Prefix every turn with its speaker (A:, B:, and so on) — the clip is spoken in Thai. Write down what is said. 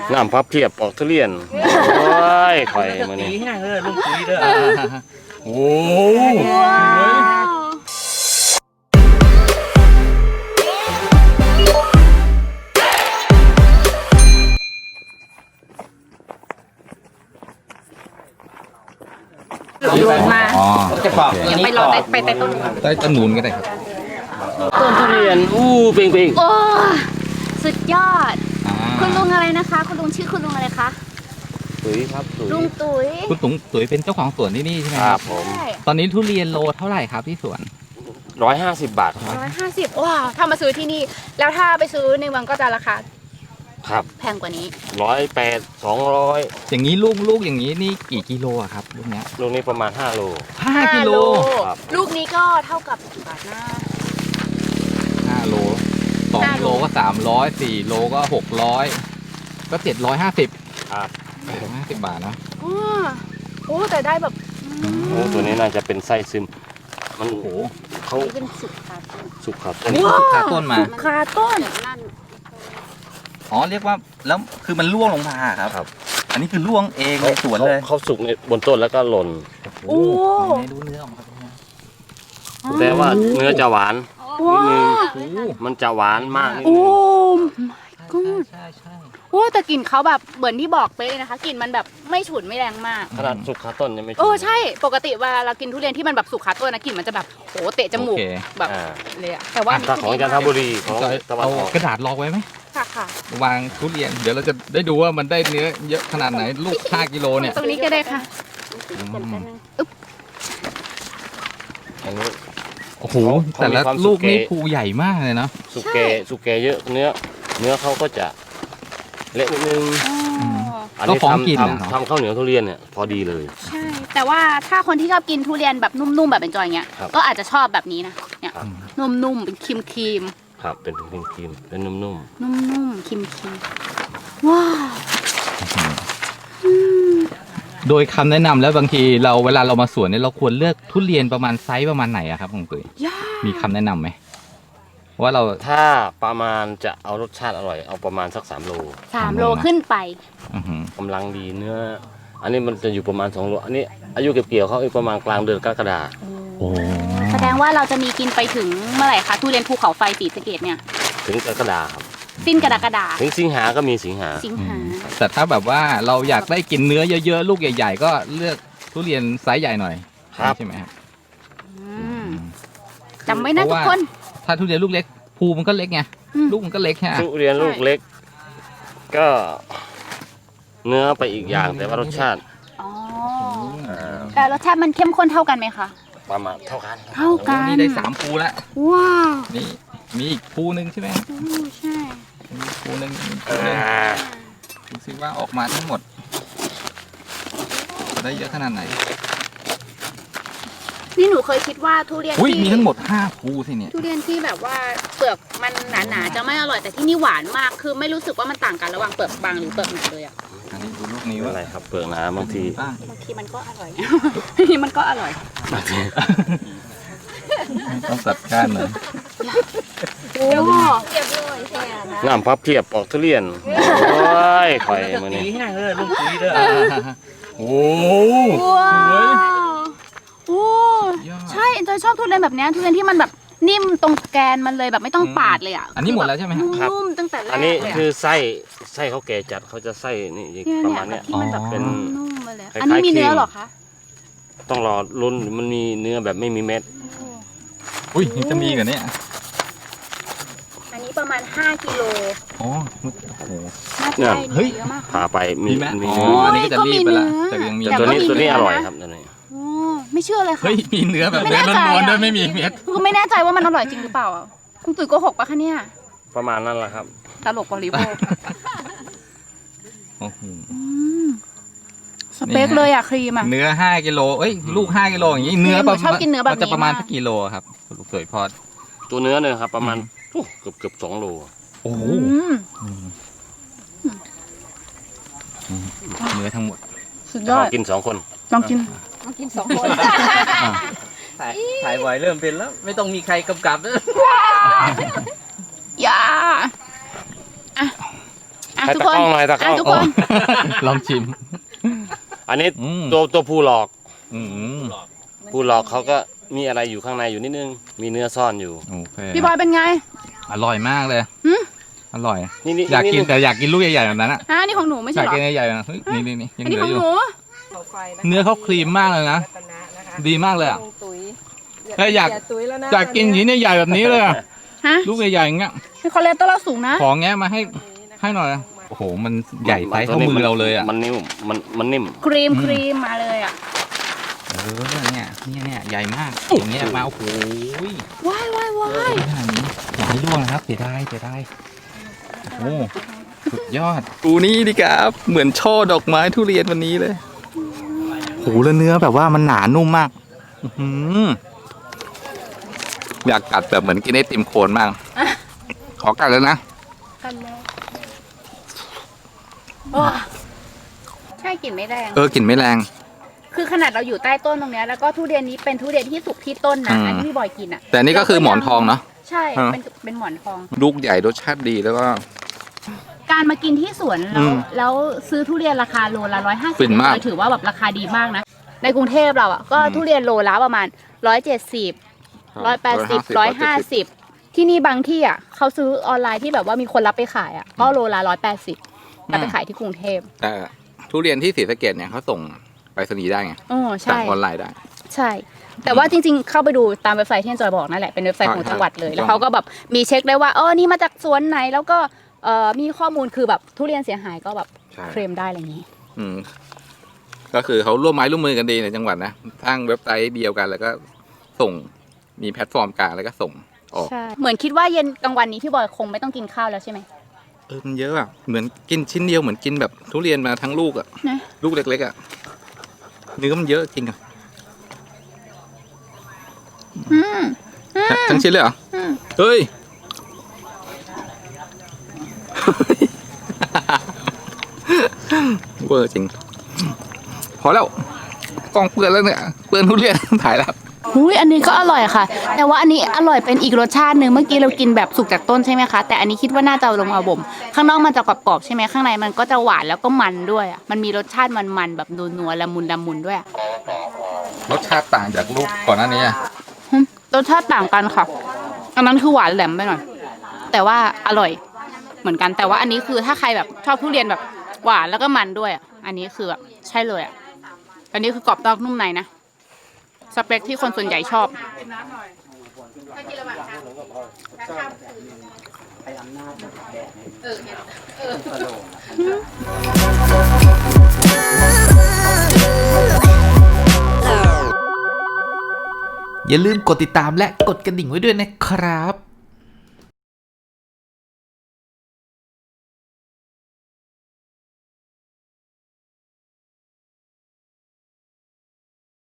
A: น้ำพับเพียบปอกทุเรียนโอ้ยข่อยมื้อนี้
B: แห้งเลยลุงปุ๋ยเด้อโอ้
C: โยนมา
B: อ๋อจะปอก
C: เดี๋ยวไปรอไปใต้ต้นก่อน
B: ใต้ต้นนูนก็ได้ครับ
A: ต้นทุเรียนเป่ง
C: โอ้สุดยอด
B: อ่า
C: คุณลุงอะไรนะคะ คุณลุงชื่อคุณลุงอะไรคะ
A: ๆตุ๋ยครับตุ๋ย
C: ลุงตุ๋ย
B: คุณตุ๋ยเป็นเจ้าของสวนที่นี่ใช่ไหม
A: ค
B: ค
A: รั
B: รั
A: บบ ผม
C: ใช่
B: ตอนนี้ทุเรียนโลเท่าไหร่ครับที่สวน
A: 150 บาทครับ
C: 150ว้าวถ้ามาซื้อที่นี่ แล้วถ้าไปซื้อในเมืองก็จะราคา
A: ครับ
C: แพงกว่านี้
A: 180 200
B: อย่างนี้ลูกอย่างนี้นี่กี่กิโลอะครับลูกเนี้ย
A: ลูกนี้ประมาณ5 โล
B: 5 กิโล
A: ครับ
C: ลูกนี้ก็เท่ากับกี่บาทนะ
B: 5 โล2 โลก็300 4 โลก็600ก็750
A: ครับ
B: 50 บาทเนาะ
C: อ๋อโอ้แต่ได้แบบ
A: โอ้ตัวนี้น่าจะเป็นไส้ซึมมัน
B: โอ้โห
A: เขา
C: เป็นสุกค่ะ
A: สุกครับ
B: อันนี้คือคาต้นมา
C: สุกคาต้น
B: อ๋อเรียกว่าแล้วคือมันร่วงลงมาครับ
A: ครับ
B: อันนี้คือร่วงเองในสวนเลย
A: เขาสุกในบนต้นแล้วก็หล่น
B: โอ้โหไหนดูเนื้อออกมาครับเนี่ย
A: แต่ว่าเนื้อจะหวาน
C: ว้า
A: นิดนึง
B: โอ้โห
A: มันจะหวานมากนิด
C: โอ้
A: นึง
B: ใช่ใช่
C: โอ้แต่กลิ่นเขาแบบเหมือนที่บอกเป๊ะเลยนะคะกลิ่นมันแบบไม่ฉุนไม่แรงมาก
A: ขนาดสุกขาต้นยังไม่
C: ใช่ปกติเวลาเรากินทุเรียนที่มันแบบสุกคาต้นนะกลิ่นมันจะแบบโหเตะจมูก
B: โอเค
C: แบบ
A: อ่า
C: เลยอะแต่ว่า
A: ถ้าของจันทบุรีของ
B: จะ
A: ตะวัน
B: เอา
A: ออก
B: กระดาษรองไว้ไหม
C: ค่ะค่ะ
B: วางทุเรียนเดี๋ยวเราจะได้ดูว่ามันได้เนื้อเยอะขนาดไหนลูก5 กิโลเนี่ย
C: ตรงนี้ก็ได้ค่ะ
A: อันนี้
B: โอ้โห
A: เขา
B: แต่ละ
A: มีความ
B: ลูกนี่
A: สุกเก๋
B: ภูใหญ่มากเลยเนาะ
A: สุกเกสุกเกเยอะเนื้อเขาก็จะเละนิดนึง อัน
B: ก็
A: นี้
B: ฟ้องกินนะ
A: ทำข้าวเหนียวทุเรียนเนี่ยพอดีเลย
C: ใช่แต่ว่าถ้าคนที่ชอบกินทุเรียนแบบนุ่มๆแบบเป็นจอยอย่างเงี้ย
A: ครับ
C: ก็อาจจะชอบแบบนี้นะเนี่ย
A: ครับ
C: นุ่มๆเป็นครีม
A: ครับเป็นครีมเป็นนุ่ม
C: นุ่มๆครีมว้าว
B: โดยคำแนะนำแล้วบางทีเราเวลาเรามาสวนเนี่ยเราควรเลือกทุเรียนประมาณไซส์ประมาณไหนอะครับคุณตุ๋ย
C: ย่า
B: มีคำแนะนำไหมว่าเรา
A: ๆถ้าประมาณจะเอารสชาติอร่อยเอาประมาณสัก3 โล
C: 3 โลขึ้นไป
B: อื้อหือก
A: ำลังดีเนื้อ อันนี้มันจะอยู่ประมาณ2 โลอันนี้อายุเก็บเกี่ยวเขาประมาณกลางเดือนกรกฎาคม
B: โอ้
C: แสดงว่าเราจะมีกินไปถึงเมื่อไหร่คะทุเรียนภูเขาไฟศรีสะเกษเนี่ย
A: ถึงกรกฎาคมครับ
C: สิ้นกรกฎา
A: ถึงสิงหาก็มีสิงหา
C: สิงหา
B: แต่ถ้าแบบว่าเราอยากได้กินเนื้อเยอะๆลูกใหญ่ ๆ ก็เลือกทุเรียนไซส์ใหญ่หน่อย
A: ครับ
B: ใช่ไหมครับ
C: จำไว้นะทุกคน
B: ถ้าทุเรียนลูกเล็กภูมันก็เล็กไง
C: อืม
B: ลูกมันก็เล็กแค่
A: ทุเรียนลูกเล็ก ก็เนื้อไปอีกอย่างแต่ว่ารสชาติ
C: อ๋อ
A: อ่า
C: แต่รสชาติมันเข้มข้นเท่ากันไหมคะ
A: ประมาณเท่ากัน
C: เท่ากัน
B: นี่ได้3ภูแล้ว
C: ว้าว
B: นี่มีอีกภูหนึ่งใช่ไหม
C: ใช่
B: มีภูหนึ่งมีภู
A: อ่
B: หนึ่ง
A: า
B: ดูสิว่าออกมาทั้งหมด ได้เยอะขนาดไหน
C: นี่หนูเคยคิดว่าทุเรียน
B: อุ้ย
C: ที่
B: มีทั้งหมด5ภูสิเนี่ย
C: ทุเรียนที่แบบว่าเปลือกมันหนาๆจะไม่อร่อยแต่ที่นี่หวานมากคือไม่รู้สึกว่ามันต่างกันระหว่างเปลือกบางหรือเปลือกหนาเลยอ่ะ
B: อันนี้ดูลูกนี้
A: ไม่
B: ว่า
A: เป็นไรครับเปลือกหนาบางที
B: บ้าง
C: บางทีมันก็อร่อย บางทีมันก็อร่อย
A: บางที
B: ต้องจัดการหน่อย
C: โอ้
A: น้ำพับเพียบปอกทุเรียนโอ้ยข่อยมื้อนี้
B: แห้งเลยลุงปุ๋ยเด้อโอ้
C: ว้าวโอ้
B: ยอด
C: ใช่เอ็นจอยชอบทุเรียนแบบเนี้ยทุเรียนที่มันแบบนิ่มตรงแกนมันเลยแบบไม่ต้องปาดเลยอ่ะ
B: อันนี้หมดแล้วใช่ไหมครับ
A: ครับ
C: นุ่มๆตั้งแต่แรก
A: อันนี้
C: เลย
A: คือไส้เขาแก่จัดเขาจะไส้นี่
C: เนี่ย
A: ประ
C: เนี่ย
A: มาณ
C: แบ
A: เนี้
C: บ
A: ย
C: ที่มันแบบ
A: เป็น
C: นุ่มๆมาเลย
A: คล้ายๆ
C: อันนี้มีเนื้อ
A: ครีม
C: เหรอคะ
A: ต้องรอลุ้นมันมีเนื้อแบบไม่มีเม็ด
B: อุ้ยนี่จะมีกันเนี่ย
C: อันนี้ประมาณ5 กิโล
B: อ๋อโอ้โห
C: น่าจะได้
B: เฮ้
C: เนื้อย เยอะมาก
A: พาไปมี
B: มีไหม
A: มี
B: อ๋อ
A: เนื้อ
B: อันนี้ก็จะรีบไปละ
C: ก็
B: แต่
C: มี
B: ยังมี
C: เนื้
A: แต่ตัวนี้
C: ก็มี
A: ตัวนี้
C: เนื้
A: อ
C: อ
A: ร่อย
C: นะ
A: ครับตัวนี้
C: โอ้ไม่เชื่อเลยค่ะ
B: เฮ้ยมีเนื้อแบบ
C: ไม่
B: เนื้
C: แน่
B: อ
C: ใจ
B: ล้วนๆ
C: อะ
B: ด้วยไม่มีเม็ด
C: คือไม่แน่ใจว่ามันอร่อยจริงหรือเปล่าอะคุณตุ๋ยโกหกปะคะเนี่ย
A: ประมาณนั้นแหละครับ
C: ตลกบริโภค
B: โอ้โห
C: อืมสเปคเลยอะครีมอะ
B: เนื้อ5 กิโลเอ้ยลูก5 กิโลอย่างงี้เนื้อ
C: หนูชอบกินเนื้อแบบนี้
B: มัจะประมาณ
C: มาก
B: สักกิโลครับลูกสวยพอด
A: ตัวเนื้อเนี่ยครับประมาณเกือบ2 โล
B: โอ้โห
C: อืม
B: เนื้อทั้งหมด
C: สุดยอด
A: กิน2 คน
C: ลองกิน
D: ถ่ายบ่อยเริ่มเป็นแล้ว ไม่ต้องมีใครกำกับแล้ว
C: อย่าอ่ะอ่ะ
A: ให้
C: ทุก
A: ตะ
C: คน
A: กล้องหน่อยตะกล้
C: อ่ะ
A: อง
C: ทุกคน
B: ลองชิม
A: อันนี้
B: อืม
A: ตัวผู้หลอก
B: อืม
A: ผู้หลอกเขาก็มีอะไรอยู่ข้างในอยู่นิดนึง มีเนื้อซ่อนอยู่
B: โอเค
C: พี่บอยเป็นไง
B: อร่อยมากเลย
C: หืม
B: อร่อย
A: นี่นี่
B: อยากกิน
A: นี่
B: แต่อยากกินลูกใหญ่ๆแบบนั้นอ่ะ
C: นี่ของหนูไม่
B: อ
C: ใช่
B: ยาก
C: เหรอ
B: กินใหญ่ๆนะเฮ้ยนี่ยัง
C: อันนี้
B: เหลื
C: ข
B: อ
C: อง
B: อยู่
C: หนู
B: เนื้อเขาครีมมากเลยนะ ดีมากเลยอ่ะ
E: ตุ๋ย
B: เฮ้ยอยาก
E: ตุ๋ยแล้วนะ
B: อยากกินชิ้นใหญ่ๆแบบนี้เลยอะ
C: ฮะ
B: ลูกใหญ่ๆอย่างเงี้ย
C: มีคอเลสเตอรอลสูงนะ
B: ของแงะมาให้หน่อยนะโอ้โหมันใหญ่ไปเท่ามือเราเลยอ่ะ
A: มันนิ่มมันนิ่ม
C: ครีมมาเลยอ่ะ
B: เนี่ยใหญ่มากอย่างเงี้ยมาโอ้โห
C: ว้าย
B: ขนาดนี้อย่าให้ร่วงนะครับเสียดายโอ้สุดยอดกูนี่ดิครับเหมือนช่อดอกไม้ทุเรียนวันนี้เลยโหแล้วเนื้อแบบว่ามันหนานุ่มมากอื้อหืออยากกัดแบบเหมือนกินไอติมโคนมากขอกัดแล้วนะ
C: กันเลยใช่กลิ่นไม่แรง
B: กลิ่นไม่แรง
C: คือขนาดเราอยู่ใต้ต้นตรงเนี้ยแล้วก็ทุเรียนนี้เป็นทุเรียนที่สุกที่ต้นนะ
B: อืม
C: อันที่พี่บอยกินอ่ะ
B: แต่อันนี่ก็คือหมอนทองเนาะ
C: ใช่
B: ฮะ
C: เป็นหมอนทอง
B: ลูกใหญ่รสชาติดีแล้วก็
C: การมากินที่สวน
B: อืม
C: แล้วซื้อทุเรียนราคาโลละ150
B: ฟินมาก
C: ถือว่าแบบราคาดีมากนะ ในกรุงเทพเราอ่ะก็ทุเรียนโลละประมาณ170 180 150ที่นี่บางที่อ่ะเขาซื้อออนไลน์ที่แบบว่ามีคนรับไปขายอ่ะก็โลละ180รับไปขายที่กรุงเทพ
B: แต่ทุเรียนที่ศรีสะเกษเนี่ยเขาส่งไปรษณีย์ได้ไง
C: อ๋อ
B: สั่ง
C: ใช่
B: ออนไลน์ได้
C: ใช่ แต่ว่าจริงๆ เข้าไปดูตามเว็บไซต์ที่อาจอยบอกนั่นแหละ เป็นเว็บไซต์ของจังหวัดเลย แล้วเขาก็แบบมีเช็คได้ว่านี่มาจากสวนไหน แล้วก็มีข้อมูลคือแบบทุเรียนเสียหายก็แบบ
B: ใช่
C: เคลมได้อะไรอย่างนี้
B: อืมก็คือเขาร่วมไม้ร่วมมือกันดีในจังหวัดนะสร้างเว็บไซต์เดียวกันแล้วก็ส่งมีแพลตฟอร์มกลางแล้วก็ส่งออก
C: ใช่ เหมือนคิดว่าเย็นกลางวันนี้พี่บอยคงไม่ต้องกินข้าวแล้วใช่ไหม
B: มันเยอะอ่ะเหมือนกินชิ้นเดียวเหมือนกินแบบทุเรียนมาทั้งลูกอ่ะ
C: นะ
B: ลูกเล็กๆอ่ะเนื้อมันเยอะจริงอ่ะ
C: อืม
B: ทั้งชิ้นเลยเหรอ
C: อืม
B: เฮ้ย เวอร์จริง พอแล้วกล้องเปื้อนแล้วเนี่ยเปื้อนทุเรียน ถ่ายแล้ว
C: อุ้ยอันนี้ก็อร่อยค่ะ แต่ว่าอันนี้อร่อยเป็นอีกรสชาติหนึ่งเมื่อกี้เรากินแบบสุกจากต้นใช่ไหมคะ แต่อันนี้คิดว่าน่าจะเอาลงมาบ่ม ข้างนอกมันจะกรอบๆใช่ไหมข้างในมันก็จะหวานแล้วก็มันด้วยอ่ะ มันมีรสชาติมันๆแบบนัวๆละมุนด้วยอะ
B: รสชาติต่างจากลูกก่อนหน้านี้อะ
C: รสชาติต่างกันค่ะ อันนั้นคือหวานแหลมไปหน่อย แต่ว่าอร่อยเหมือนกัน แต่ว่าอันนี้คือถ้าใครแบบชอบทุเรียนแบบหวานแล้วก็มันด้วยอ่ะ อันนี้คือแบบใช่เลยอ่ะ อันนี้คือกรอบนอกนุ่มในนะ สเปคที่คนส่วนใหญ่ชอบ
F: อย่าลืมกดติดตามและกดกระดิ่งไว้ด้วยนะครับ